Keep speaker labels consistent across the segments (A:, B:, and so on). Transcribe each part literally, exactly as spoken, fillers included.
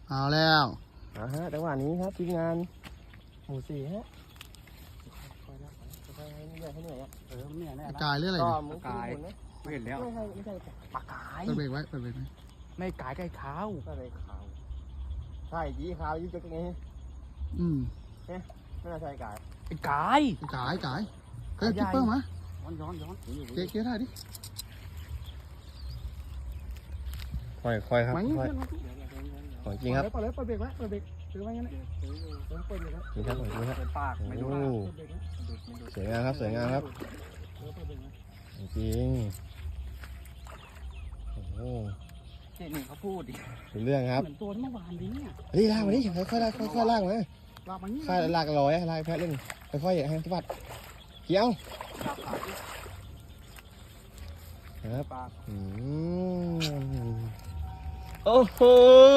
A: เอาแล้ว
B: อ่าฮะจังหวะนี้ครับทีมงานหมู่สี่ฮะคอยนะคอยให้เหนื่อยให้เหนื่อยอ่ะเออเหนื่อยแน่นะ
A: กายหรืออะไร
B: ก็
A: เนี่ย
B: มึงกายไม่เห็นแล้วไม่ใช่ไม่ใช่ปลากาย
A: เปิดเบรกไว้เปิดเบรกไว้
C: ไม่กายใกล้ขาว
B: ก็เลยขาวใช่ยีขาวยิ่งจะไง
A: อืม
B: ไม่น่าใช่กาย
C: ไอ้กาย
A: กายกายเฮ้ยคิปเปอร์มา
C: ย้อนย้อนย้อน
A: เก๊เก๊ได้ดิ
B: ค่อยค่อยครับ
A: ไหว
B: ค่อยของจริงครับ
A: เปิดเลยเปิดเบรกไว้เปิดเบรกถือไว้งั้นนะเปิดเบรกไว้
B: จริงครับของจริงครับ
C: เปิดปากไม่ดู
B: โอ้สวยงามครับสวยงามครับจริงโอ้โห
C: เจ๊หนึ่งเขาพูดดิ
B: เป็นเรื่องครับ
C: เหมือนตัวเมื่อวานนี้เนี่ย
B: เฮ้ยลากมาดิค่อยๆลากค่อยๆลากมา
A: ลากมานี่
B: ค่อยลากลอยลากแพะเล่นค่อยๆให้สะบัดเกี่ยว
C: ปากปาก
B: ครับ
C: ปาก
B: อืมโอ้โห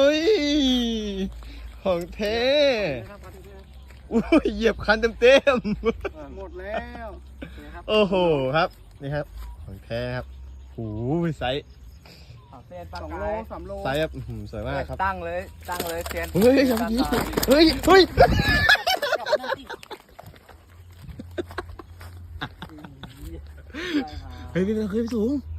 B: ของเท่อุ้ยเหยียบคันเต็ม
C: หมดแล้วนะครับ
B: ๆโอ้โหครับนี่ครับของแท้ครับหูไซส์
C: เซียนปากกาย
A: สามโล
B: ไซส์แบบอื้อหือสวยมากครับ
C: ตั้งเลยตั้งเลยเซียน
B: เฮ้ยอย่างนี้เฮ้ยเฮ้ยเฮ้ยพี่เคยไปสูง